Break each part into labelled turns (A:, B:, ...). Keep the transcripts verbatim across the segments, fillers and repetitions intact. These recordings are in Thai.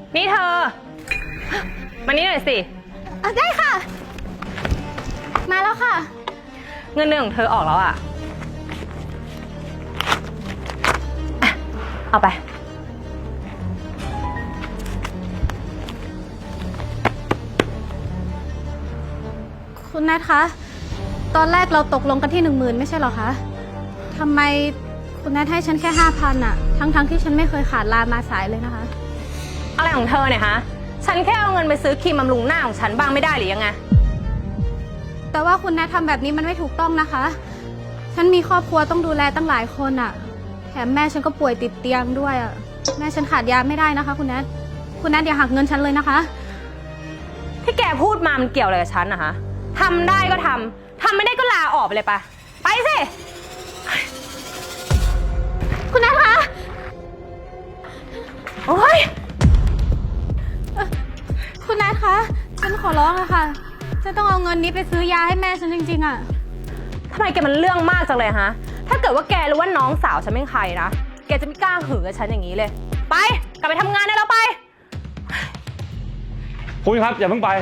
A: นี่เธอ มานี่หน่อยสิ
B: อ่ะได้ค่ะ มาแล้วค่ะ
A: เงินเดือนของเธอออกแล้วอ่ะ เอาไป
B: คุณแนทคะ ตอนแรกเราตกลงกันที่หนึ่งหมื่นไม่ใช่หรอคะทำไมคุณแนทให้ฉันแค่ห้าพันอะทั้งๆ ที่ฉันไม่เคยขาดลามาสายเลยนะคะ
A: อะไรของเธอเนี่ยฮะ ฉันแค่เอาเงินไปซื้อครีมบำรุงหน้าของฉันบ้างไม่ได้หรือยังไง
B: แต่ว่าคุณแนททำแบบนี้มันไม่ถูกต้องนะคะ ฉันมีครอบครัวต้องดูแลตั้งหลายคนอะแถมแม่ฉันก็ป่วยติดเตียงด้วยอะแม่ฉันขาดยาไม่ได้นะคะคุณแนทคุณแนทอย่าหักเงินฉันเลยนะคะ
A: ที่แกพูดมามันเกี่ยวอะไรกับฉันนะฮะทำได้ก็ทำ ทำไม่ได้ก็ลาออกไปเลยปะไปสิ
B: คุณแนทคะ
A: โอ๊ย
B: คุณแนทคะ ฉันขอร้องอะค่ะ ฉันต้องเอาเงินนี้ไปซื้อยาให้แม่ฉันจริงๆอะ
A: ทำไมแกมันเรื่องมากจังเลยฮะ ถ้าเกิดว่าแกรู้ว่าน้องสาวฉันเป็นใครนะ แกจะไม่กล้าหือกับฉันอย่างนี้เลย ไป กลับไปทำงานได้แล้วไป
C: คุณครับอย่าเพิ่งไป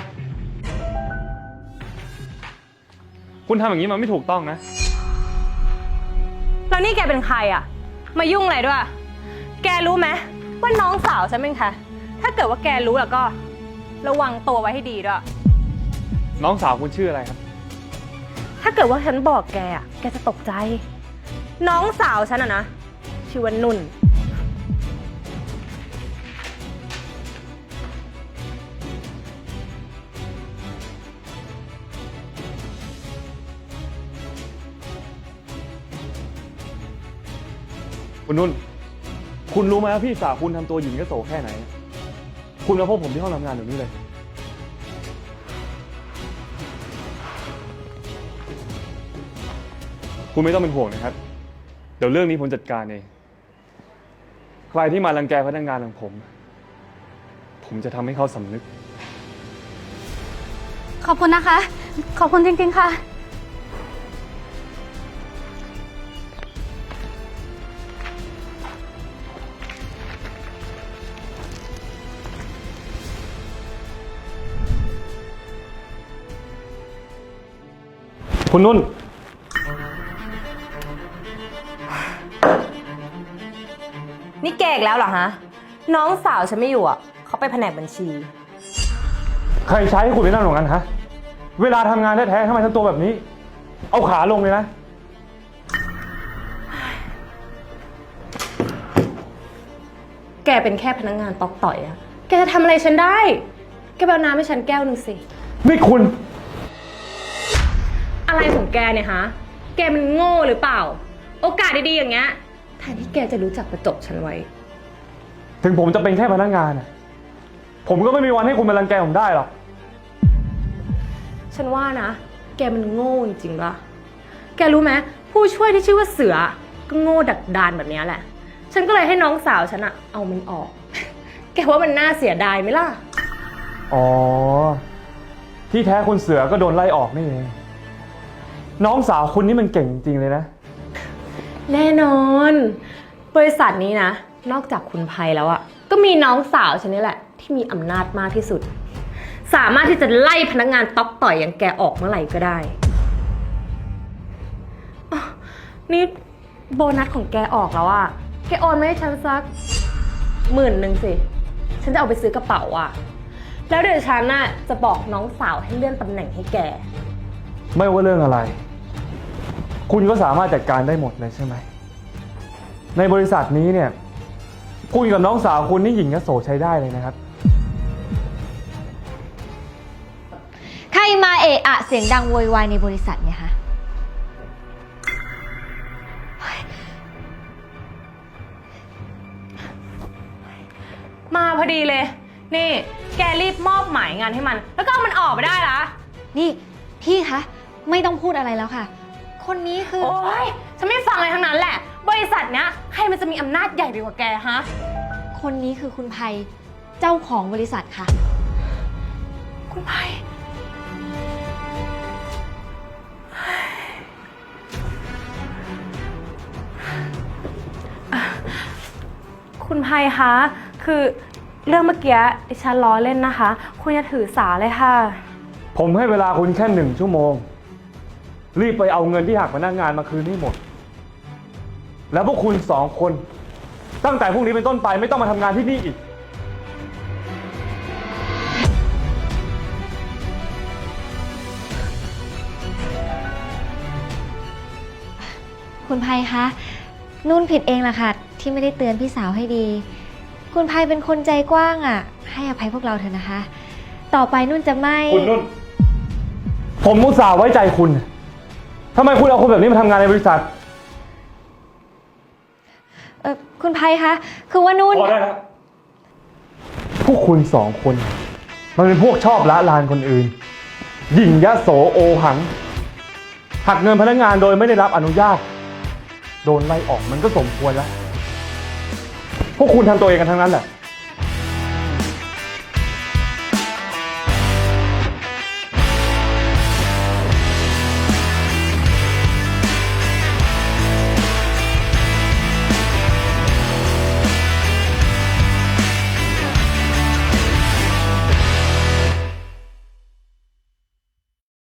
C: คุณทำอย่างนี้มันไม่ถูกต้องนะ
A: แล้วนี่แกเป็นใครอะมายุ่งอะไรด้วย แกรู้ไหมว่าน้องสาวฉันเป็นใคร ถ้าเกิดว่าแกรู้แล้วก็ ระวังตัวไว้ให้ดีด้วย
C: น้องสาวคุณชื่ออะไรครับ
A: ถ้าเกิดว่าฉันบอกแกอะแกจะตกใจ น้องสาวฉันอะนะ ชื่อว่านุ่น
C: คุณนุ่น คุณรู้ไหมว่าพี่สาวคุณทำตัวหญิงกระโสแค่ไหน คุณมาพบผมที่ห้องทำงานเดี๋ยวนี้เลย คุณไม่ต้องเป็นห่วงนะครับ เดี๋ยวเรื่องนี้ผมจัดการเอง ใครที่มารังแกพนักงานของผม ผมจะทำให้เขาสำนึก
B: ขอบคุณนะคะ ขอบคุณจริงๆค่ะ
C: คุณนุ่น
A: นี่แกอีกแล้วเหรอฮะ น้องสาวฉันไม่อยู่อ่ะ เขาไปแผนกบัญชี
C: ใครใช้ให้คุณไปนั่งตรงนั้นฮะ เวลาทำงานแท้ๆทำไมทำตัวแบบนี้ เอาขาลงเลยนะ
A: แกเป็นแค่พนักงานตอกต่อยอะแกจะทำอะไรฉันได้ แกไปเอาน้ำให้ฉันแก้วหนึ่งสิ
C: นี่คุณ
A: อะไรของแกเนี่ยฮะ แกมันโง่หรือเปล่า โอกาสดีๆอย่างเงี้ยแทนที่แกจะรู้จักประจบฉันไว้
C: ถึงผมจะเป็นแค่พนักงานน่ะ ผมก็ไม่มีวันให้คุณมารังแกผมได้หรอก
A: ฉันว่านะ แกมันโง่จริงๆป่ะ แกรู้ไหมผู้ช่วยที่ชื่อว่าเสือ ก็โง่ดักดานแบบนี้แหละ ฉันก็เลยให้น้องสาวฉันอะเอามันออก แกว่ามันน่าเสียดายไหมล่ะ
C: อ๋อ ที่แท้คุณเสือก็โดนไล่ออกนี่เอง น้องสาวคุณนี่มันเก่งจริงเลยนะ
A: แน่นอน บริษัทนี้นะ นอกจากคุณภัยแล้วอะก็มีน้องสาวฉันนี่แหละ ที่มีอำนาจมากที่สุด สามารถที่จะไล่พนักงานต๊อกต่อยอย่างแกออกเมื่อไหร่ก็ได้อ้าวนี่โบนัสของแกออกแล้วอะแกโอนมาให้ฉันสักหมื่นหนึ่งสิ ฉันจะเอาไปซื้อกระเป๋าอะแล้วเดี๋ยวฉันน่ะจะบอกน้องสาวให้เลื่อนตำแหน่งให้แก
C: ไม่ว่าเรื่องอะไร คุณก็สามารถจัดการได้หมดเลยใช่ไหม ในบริษัทนี้เนี่ย คุณกับน้องสาวคุณนี่หญิงกระโสใช้ได้เลยนะครับ
D: ใครมาเอะอะเสียงดังโวยวายในบริษัทเนี่ยคะ
A: มาพอดีเลย นี่ แกรีบมอบหมายงานให้มัน แล้วก็เอามันออกไปได้ละ
D: นี่พี่คะไม่ต้องพูดอะไรแล้วค่ะ คนนี้คือ
A: โอ๊ย ฉันไม่ฟังอะไรทั้งนั้นแหละ บริษัทเนี้ยใครมันจะมีอำนาจใหญ่ไปกว่าแกฮะ
D: คนนี้คือคุณภัยเจ้าของบริษัทค่ะ
A: คุณภัย คุณภัยคะ คือเรื่องเมื่อกี้ดิฉันล้อเล่นนะคะ คุณอย่าถือสาเลยค่ะ
C: ผมให้เวลาคุณแค่หนึ่งชั่วโมง รีบไปเอาเงินที่หักพนักงานมาคืนให้หมด แล้วพวกคุณสองคน ตั้งแต่พรุ่งนี้เป็นต้นไปไม่ต้องมาทำงานที่นี่อีก
D: คุณภัยคะ นุ่นผิดเองล่ะค่ะ ที่ไม่ได้เตือนพี่สาวให้ดี คุณภัยเป็นคนใจกว้างอ่ะ ให้อภัยพวกเราเถอะนะคะ ต่อไปนุ่นจะไม่
C: คุณนุ่น ผมอุตส่าห์ไว้ใจคุณทำไมคุณเอาคนแบบนี้มาทำงานในบริษัท
D: เออคุณภัยคะ คือว่านุ่น
C: พอได้แล้ว พวกคุณสองคน มันเป็นพวกชอบละลานคนอื่น หยิ่งยะโสโอหัง หักเงินพนักงานโดยไม่ได้รับอนุญาต โดนไล่ออกมันก็สมควรแล้ว พวกคุณทำตัวเองกันทั้งนั้นแหละ